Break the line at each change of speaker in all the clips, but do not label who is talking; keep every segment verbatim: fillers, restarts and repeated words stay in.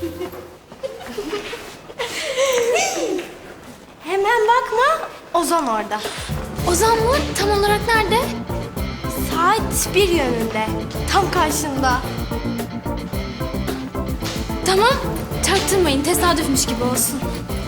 Hemen bakma, Ozan orada.
Ozan mı? Tam olarak nerede?
Saat bir yönünde, tam karşında.
Tamam, çaktırmayın. Tesadüfmüş gibi olsun.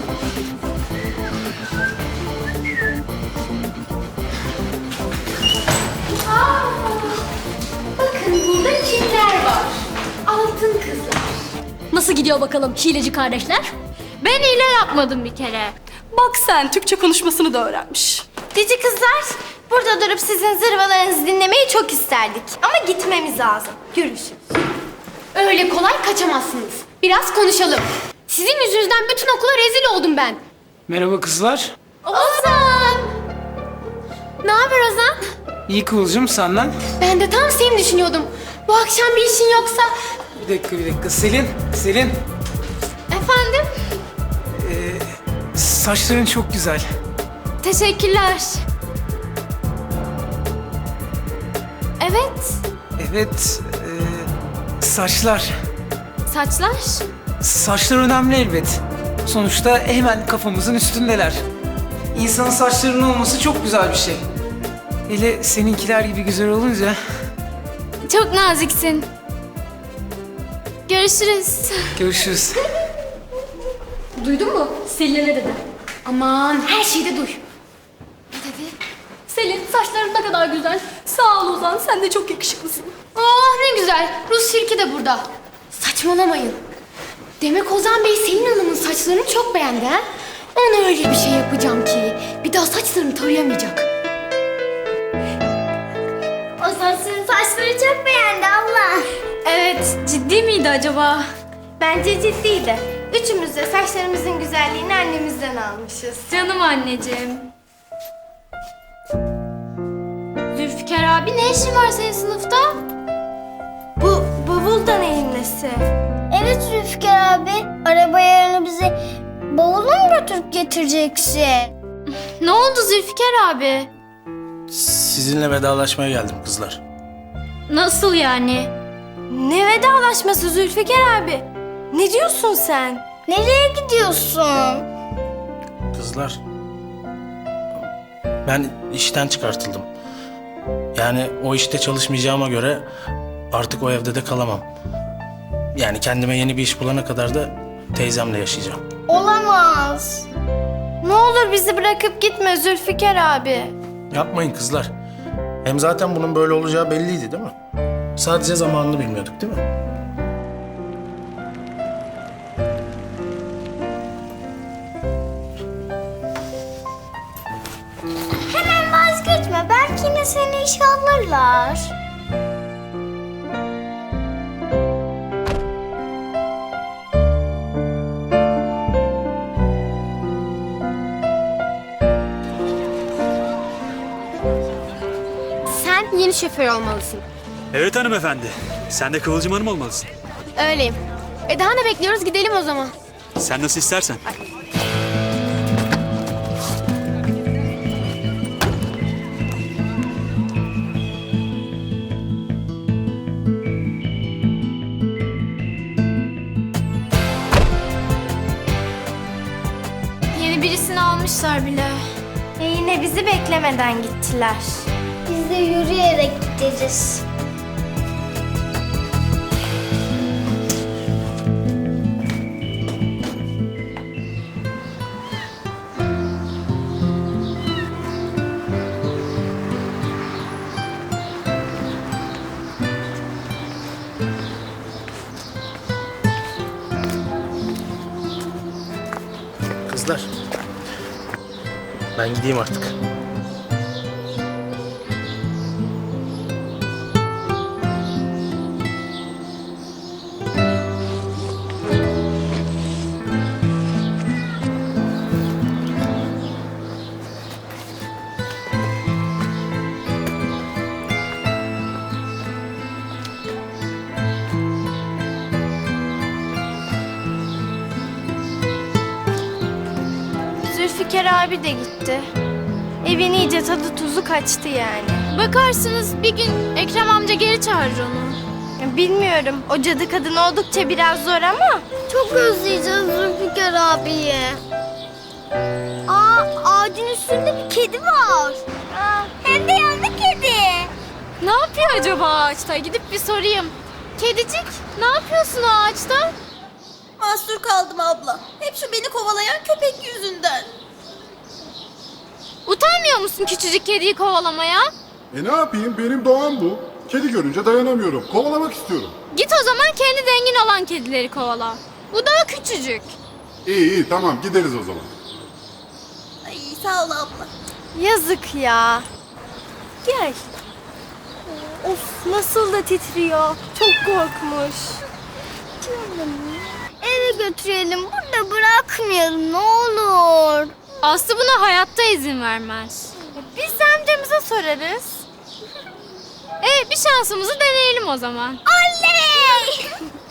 Aa, bakın burada kimler var? Altın kızlar. Nasıl gidiyor bakalım hileci kardeşler? Ben hile yapmadım bir kere.
Bak sen, Türkçe konuşmasını da öğrenmiş.
Cici kızlar, burada durup sizin zırvalarınızı dinlemeyi çok isterdik. Ama gitmemiz lazım. Görüşürüz.
Öyle kolay kaçamazsınız. Biraz konuşalım. Sizin yüzünüzden bütün okula rezil oldum ben.
Merhaba kızlar.
Ozan! Ne haber Ozan?
İyi Kıvılcım, senden.
Ben de tam seni düşünüyordum. Bu akşam bir işin yoksa...
Bir dakika bir dakika. Selin, Selin.
Efendim?
Saçların çok güzel.
Teşekkürler. Evet.
Evet, e, saçlar.
Saçlar?
Saçlar önemli elbet. Sonuçta hemen kafamızın üstündeler. İnsanın saçlarının olması çok güzel bir şey. Hele seninkiler gibi güzel olunca.
Çok naziksin. Görüşürüz.
Görüşürüz.
Duydun mu? Selin'e ne dedi? Aman her şeyi de duy. Ne dedi?
Selin, saçların ne kadar güzel. Sağ ol Ozan, sen de çok yakışıklısın.
Oh ne güzel. Rus Şirki de burada. Saçmalamayın. Demek Ozan Bey Selin Hanım'ın saçlarını çok beğendi ha? Ona öyle bir şey yapacağım ki bir daha saçlarını tarayamayacak.
Ozan sizin saçları çok beğendi Allah.
Evet, ciddi miydi acaba?
Bence ciddiydi. Üçümüz de saçlarımızın güzelliğini annemizden almışız.
Canım anneciğim. Zülfikar abi ne işin var senin sınıfta?
Bu bavul da neyin nesi?
Evet Zülfikar abi, araba yarını bize bavulu mu götürüp getireceksin?
Ne oldu Zülfikar abi?
Sizinle vedalaşmaya geldim kızlar.
Nasıl yani?
Ne vedalaşması Zülfikar abi? Ne diyorsun sen?
Nereye gidiyorsun?
Kızlar, ben işten çıkartıldım. Yani o işte çalışmayacağıma göre artık o evde de kalamam. Yani kendime yeni bir iş bulana kadar da teyzemle yaşayacağım.
Olamaz.
Ne olur bizi bırakıp gitme Zülfikar abi.
Yapmayın kızlar. Hem zaten bunun böyle olacağı belliydi değil mi? Sadece zamanını bilmiyorduk değil mi?
Hemen vazgeçme, belki yine seni işe alırlar.
Sen yeni şoför olmalısın.
Evet hanımefendi. Sen de Kıvılcım Hanım olmalısın.
Öyleyim. E daha ne bekliyoruz? Gidelim o zaman.
Sen nasıl istersen.
Yeni birisini almışlar bile.
E yine bizi beklemeden gittiler.
Biz de yürüyerek gideriz.
Kızlar, ben gideyim artık.
Zülfikar abi de gitti. Evin iyice tadı tuzu kaçtı yani.
Bakarsınız bir gün Ekrem amca geri çağırır onu.
Yani bilmiyorum. O cadı kadın oldukça biraz zor ama.
Çok özleyeceğiz Zülfikar abiyi. Aa, ağacın üstünde bir kedi var. Aa, hem de yandı kedi.
Ne yapıyor acaba ağaçta? Gidip bir sorayım. Kedicik, ne yapıyorsun o ağaçta?
Mahsur kaldım abla. Hep şu beni kovalayan köpek yüzünden.
Utanmıyor musun küçücük kediyi kovalamaya?
E ne yapayım? Benim doğam bu. Kedi görünce dayanamıyorum. Kovalamak istiyorum.
Git o zaman kendi dengin olan kedileri kovala. Bu daha küçücük.
İyi iyi tamam gideriz o zaman.
Ay sağ ol abla.
Yazık ya. Gel. Of nasıl da titriyor. Çok korkmuş.
Eve götürelim, burada bırakmayalım ne olur.
Aslı buna hayatta izin vermez.
Biz de amcamıza sorarız.
E bir şansımızı deneyelim o zaman.
Oley!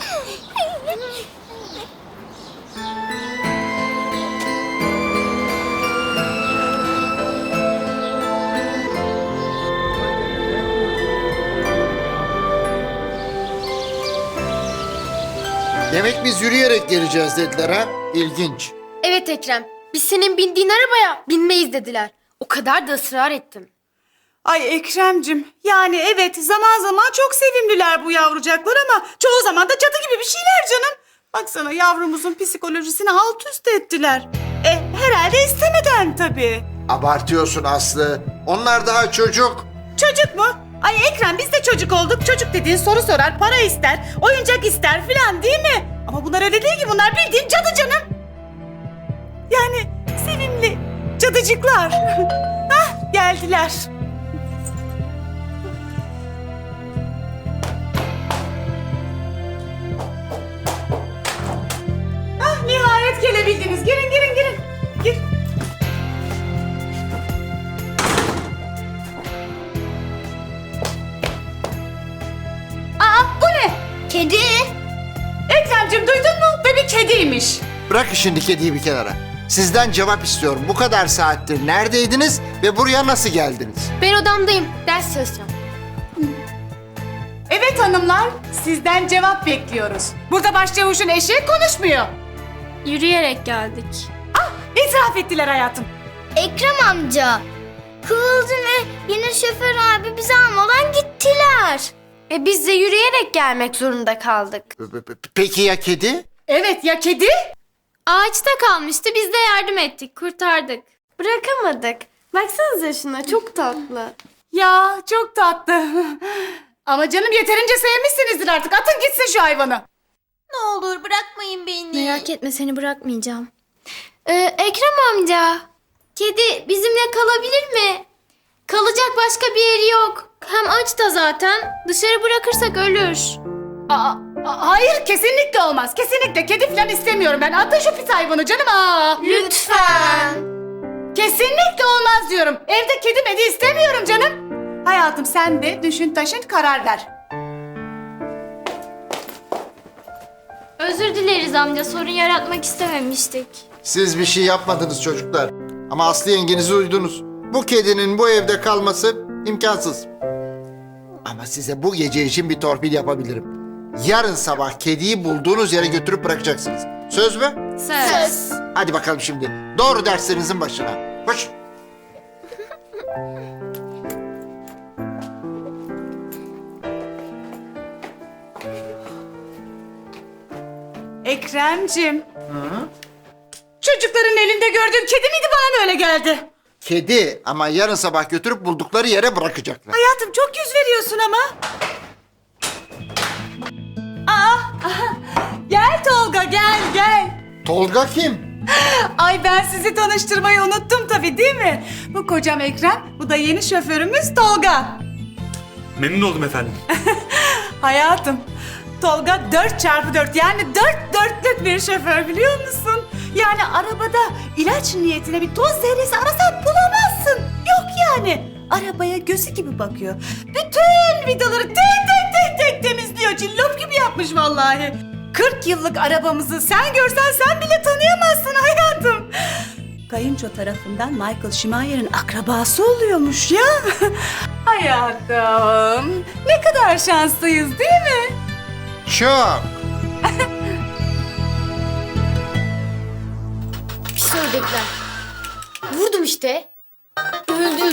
Demek biz yürüyerek geleceğiz dediler ha? İlginç.
Evet Ekrem. Biz senin bindiğin arabaya binmeyiz dediler. O kadar da ısrar ettim.
Ay Ekrem'cim, yani evet zaman zaman çok sevimliler bu yavrucaklar ama çoğu zaman da cadı gibi bir şeyler canım. Baksana yavrumuzun psikolojisini alt üst ettiler. E herhalde istemeden tabii.
Abartıyorsun Aslı. Onlar daha çocuk.
Çocuk mu? Ay Ekrem biz de çocuk olduk. Çocuk dediğin soru sorar, para ister, oyuncak ister filan değil mi? Ama bunlar öyle değil ki, bunlar bildiğin cadı canım. Yani sevimli cadıcıklar. Hah geldiler. Ah nihayet gelebildiniz. Girin girin girin. Gir. Aa bu ne?
Kedi.
Ekrem'cim duydun mu? Ve bir kediymiş.
Bırakın şimdi kediyi bir kenara. Sizden cevap istiyorum. Bu kadar saattir neredeydiniz ve buraya nasıl geldiniz?
Ben odamdayım. Ders çalışacağım.
Evet hanımlar, sizden cevap bekliyoruz. Burada başçavuşun eşi konuşmuyor.
Yürüyerek geldik.
Ah, itiraf ettiler hayatım.
Ekrem amca. Kıvılcım ve yine şoför abi bizi almadan gittiler.
E biz de yürüyerek gelmek zorunda kaldık.
P- p- Peki ya kedi?
Evet ya kedi?
Ağaçta kalmıştı. Biz de yardım ettik. Kurtardık.
Bırakamadık. Baksanıza şuna çok tatlı.
Ya çok tatlı. Ama canım yeterince sevmişsinizdir artık. Atın gitsin şu hayvanı.
Ne olur bırakmayın beni.
Merak etme seni bırakmayacağım. Ee, Ekrem amca. Kedi bizimle kalabilir mi? Kalacak başka bir yeri yok. Hem aç da zaten. Dışarı bırakırsak ölür.
Aa, a- hayır kesinlikle olmaz. Kesinlikle kedi falan istemiyorum ben. Atın şu pis hayvanı canım. Aa.
Lütfen.
Kesinlikle olmaz diyorum. Evde kedi medi istemiyorum canım. Hayatım sen de düşün taşın karar ver.
Özür dileriz amca. Sorun yaratmak istememiştik.
Siz bir şey yapmadınız çocuklar. Ama Aslı yengenizi duydunuz. Bu kedinin bu evde kalması imkansız. Ama size bu gece için bir torpil yapabilirim. Yarın sabah kediyi bulduğunuz yere götürüp bırakacaksınız. Söz mü?
Söz.
Hadi bakalım şimdi. Doğru derslerinizin başına. Koş.
Ekrem'cim. Çocukların elinde gördüğüm kedi miydi, bana mı öyle geldi?
Kedi ama yarın sabah götürüp buldukları yere bırakacaklar.
Hayatım çok yüz veriyorsun ama. Aa, aha. Gel Tolga gel gel.
Tolga kim?
Ay ben sizi tanıştırmayı unuttum tabii değil mi? Bu kocam Ekrem, bu da yeni şoförümüz Tolga.
Memnun oldum efendim.
Hayatım, Tolga dört çarpı dört yani dört dörtlük bir şoför biliyor musun? Yani arabada ilaç niyetine bir toz zerresi arasan bulamazsın. Yok yani. Arabaya gözü gibi bakıyor. Bütün vidaları tek tek tek tek temizliyor. Cillop gibi yapmış vallahi. kırk yıllık arabamızı sen görsen sen bile tanıyamazsın hayatım. Kayınço tarafından Michael Schumacher'in akrabası oluyormuş ya. Hayatım, ne kadar şanslıyız değil mi?
Çok.
Pis ördekler. Vurdum işte. Öldüm.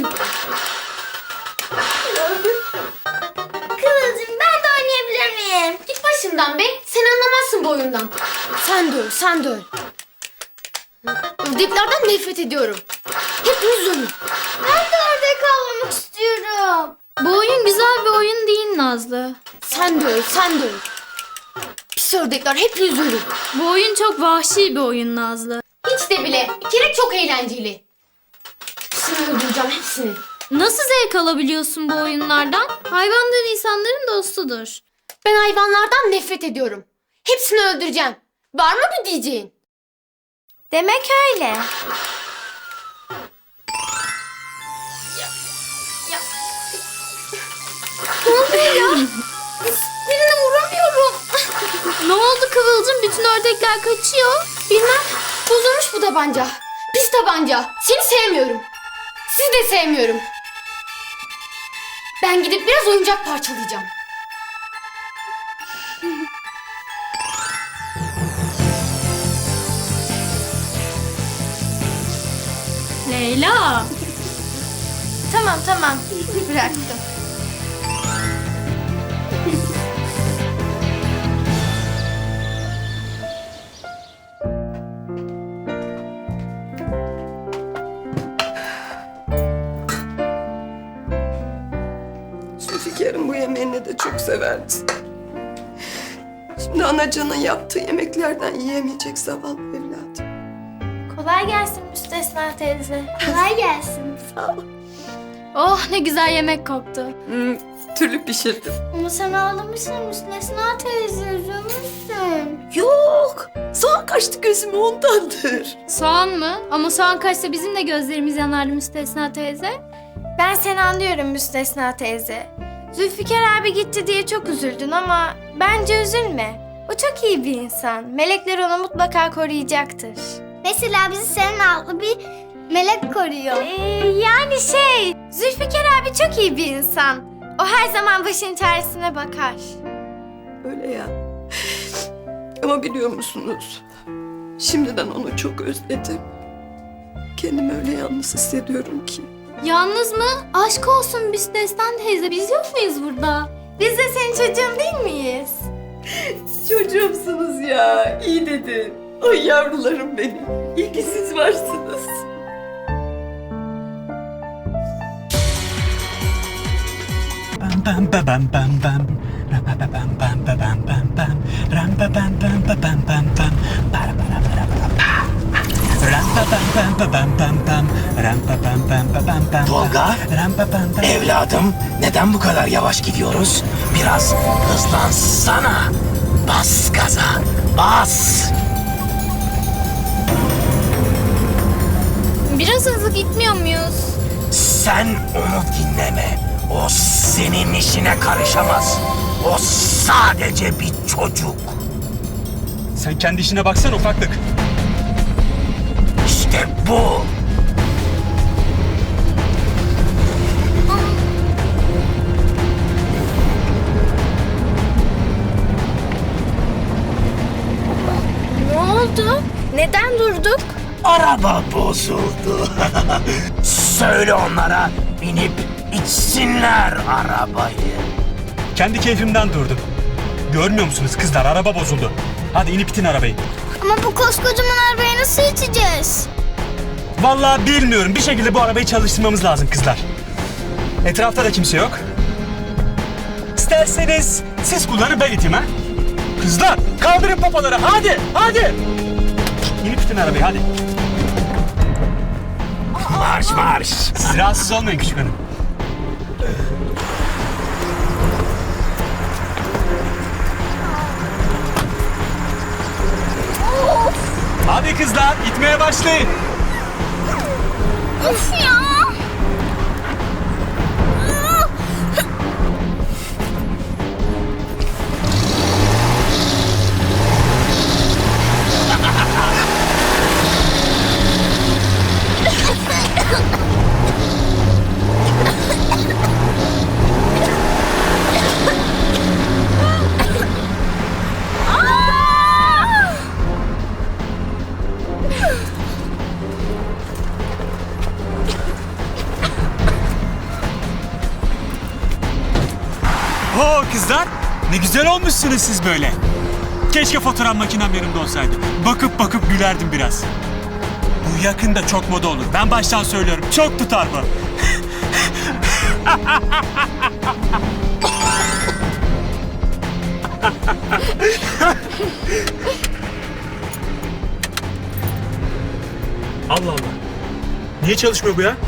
Kıvılcım ben de oynayabilir miyim?
Git başımdan be. Sen anlamazsın bu oyundan. Sen de öl, sen de öl. Ördeklerden nefret ediyorum. Hepiniz ölün.
Ben de ördek avlamak istiyorum.
Bu oyun güzel bir oyun değil Nazlı.
Sen de öl, sen de öl. Pis ördekler hepiniz ölün.
Bu oyun çok vahşi bir oyun Nazlı.
Hiç de bile. Bir kere çok eğlenceli. Hepsini öldüreceğim, hepsini.
Nasıl zevk alabiliyorsun bu oyunlardan? Hayvanlar insanların dostudur.
Ben hayvanlardan nefret ediyorum. Hepsini öldüreceğim. Var mı bir diyeceğin?
Demek öyle.
Birine vuramıyorum.
Ne oldu Kıvılcım? Bütün ördekler kaçıyor.
Bilmem. Bozulmuş bu tabanca. Pis tabanca. Seni sevmiyorum. Sizi de sevmiyorum. Ben gidip biraz oyuncak parçalayacağım.
Leyla.
Tamam tamam. Bıraktım.
Zülfikar'ın bu yemeğini de çok severdi. Şimdi anacanın yaptığı yemeklerden yiyemeyecek zavallı evladım.
Kolay gelsin Müstesna teyze.
Kolay gelsin.
Sağ ol.
Oh ne güzel yemek koktu.
Hmm, türlü pişirdim.
Ama sen ağlamışsın Müstesna teyze, üzülmüşsün.
Yok, soğan kaçtı gözüme ondandır.
Soğan mı? Ama soğan kaçsa bizim de gözlerimiz yanardı Müstesna teyze.
Ben seni anlıyorum Müstesna teyze. Zülfikar abi gitti diye çok üzüldün ama bence üzülme. O çok iyi bir insan. Melekler onu mutlaka koruyacaktır.
Mesela bizi senin adlı bir melek koruyor.
Ee, yani şey, Zülfikar abi çok iyi bir insan. O her zaman başın çaresine bakar.
Öyle ya. Ama biliyor musunuz? Şimdiden onu çok özledim. Kendimi öyle yalnız hissediyorum ki.
Yalnız mı? Aşk olsun Müstesna teyze. Biz yok muyuz burada?
Biz de senin çocuğun değil miyiz?
Çocuğumsunuz ya. İyi dedin. Ay yavrularım benim. İyi ki siz varsınız.
Bam bam ba bam bam bam. Ra ba ba bam bam ba bam bam bam. Ram ba bam bam ba bam bam bam. Bara bara bara bara pa. Ram ba bam bam ba bam bam bam. Ram ba bam bam ba bam bam.
Tolga,
Ram ba bam bam.
evladım neden bu kadar yavaş gidiyoruz? Biraz hızlansana. Bas gaza, bas.
Biraz hızlı gitmiyor muyuz?
Sen onu dinleme. O senin işine karışamaz. O sadece bir çocuk.
Sen kendi işine baksana ufaklık.
İşte bu.
Ne oldu? Neden durduk?
Araba bozuldu. Söyle onlara binip içsinler arabayı.
Kendi keyfimden durdum. Görmüyor musunuz kızlar, araba bozuldu. Hadi inip itin arabayı.
Ama bu koskocaman arabayı nasıl iteceğiz?
Vallahi bilmiyorum. Bir şekilde bu arabayı çalıştırmamız lazım kızlar. Etrafta da kimse yok. İsterseniz siz kullanın, ben iteyim ha. Kızlar kaldırın popoları, hadi hadi. İnip itin arabayı hadi.
Marş marş.
Siz rahatsız olmayın küçük hanım. Hadi kızlar itmeye başlayın.
Of ya!
kızlar. Ne güzel olmuşsunuz siz böyle. Keşke fotoğraf makinem yanımda olsaydı. Bakıp bakıp gülerdim biraz. Bu yakında çok moda olur. Ben baştan söylüyorum. Çok tutar bu.
Allah Allah. Niye çalışmıyor bu ya?